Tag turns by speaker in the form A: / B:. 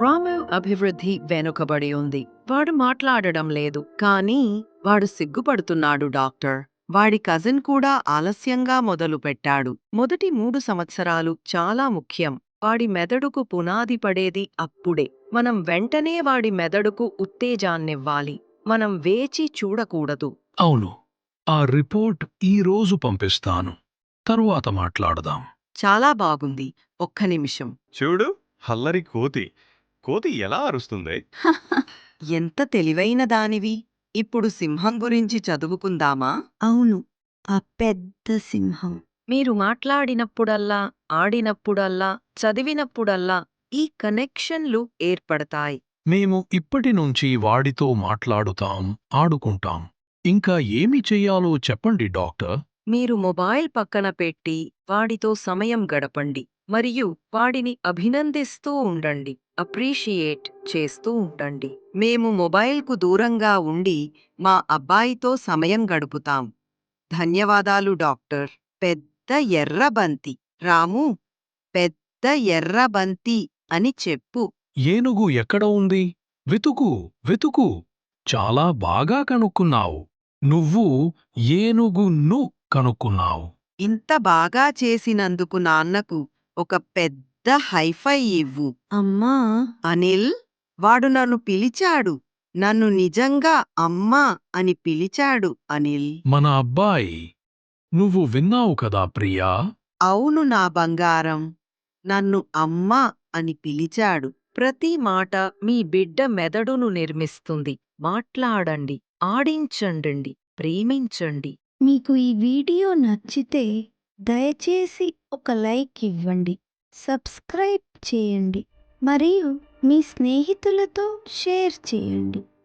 A: రాము అభివృద్ధి వెనుకబడి ఉంది. వాడు మాట్లాడడం లేదు. కానీ వాడు సిగ్గుపడుతున్నాడు డాక్టర్. వాడి కజిన్ కూడా ఆలస్యంగా మొదలుపెట్టాడు. మొదటి 3 సంవత్సరాలు చాలా ముఖ్యం. వాడి మెదడుకు పునాది పడేది అప్పుడే. మనం వెంటనే వాడి మెదడుకు ఉత్తేజాన్నివ్వాలి. మనం వేచి చూడకూడదు.
B: అవును. ఆ రిపోర్ట్ ఈరోజు పంపిస్తాను. తరువాత మాట్లాడదాం.
A: చాలా బాగుంది. ఒక్క నిమిషం.
C: చూడు, హల్లరి కోతి. కోతి ఎలా అరుస్తుంది?
A: ఎంత తెలివైన దానివి. ఇప్పుడు సింహం గురించి చదువుకుందామా?
D: అవును, ఆ పెద్ద సింహం.
A: మీరు మాట్లాడినప్పుడల్లా, ఆడినప్పుడల్లా, చదివినప్పుడల్లా ఈ కనెక్షన్లు ఏర్పడతాయి.
B: మేము ఇప్పటి నుంచి వాడితో మాట్లాడుతాం, ఆడుకుంటాం. ఇంకా ఏమి చెయ్యాలో చెప్పండి డాక్టర్.
A: మీరు మొబైల్ పక్కన పెట్టి వాడితో సమయం గడపండి. మరియు వాడిని అభినందిస్తూ ఉండండి. అప్రిషియేట్ చేస్తూ ఉండండి. మేము మొబైల్కు దూరంగా ఉండి మా అబ్బాయితో సమయం గడుపుతాం. ధన్యవాదాలు డాక్టర్. పెద్ద ఎర్ర బంతి. రాము, పెద్ద ఎర్ర బంతి అని చెప్పు.
B: ఏనుగు ఎక్కడ ఉంది? వెతుకు, వెతుకు. చాలా బాగా కనుక్కున్నావు. నువ్వు ఏనుగును కనుక్కున్నావు.
A: ఇంత బాగా చేసినందుకు నాన్నకు ఒక పెద్ద హైఫై ఇవ్వు.
D: అమ్మా,
A: అనిల్, వాడు నన్ను పిలిచాడు. నన్ను నిజంగా అమ్మా అని పిలిచాడు అనిల్.
B: మన అబ్బాయి. నువ్వు విన్నావు కదా ప్రియా?
A: అవును నా బంగారం. నన్ను అమ్మా అని పిలిచాడు. ప్రతి మాట మీ బిడ్డ మెదడును నిర్మిస్తుంది. మాట్లాడండి, ఆడించండి, ప్రేమించండి.
D: మీకు ఈ వీడియో నచ్చితే దయచేసి ఒక లైక్ ఇవ్వండి, సబ్స్క్రైబ్ చేయండి మరియు మీ స్నేహితులతో షేర్ చేయండి.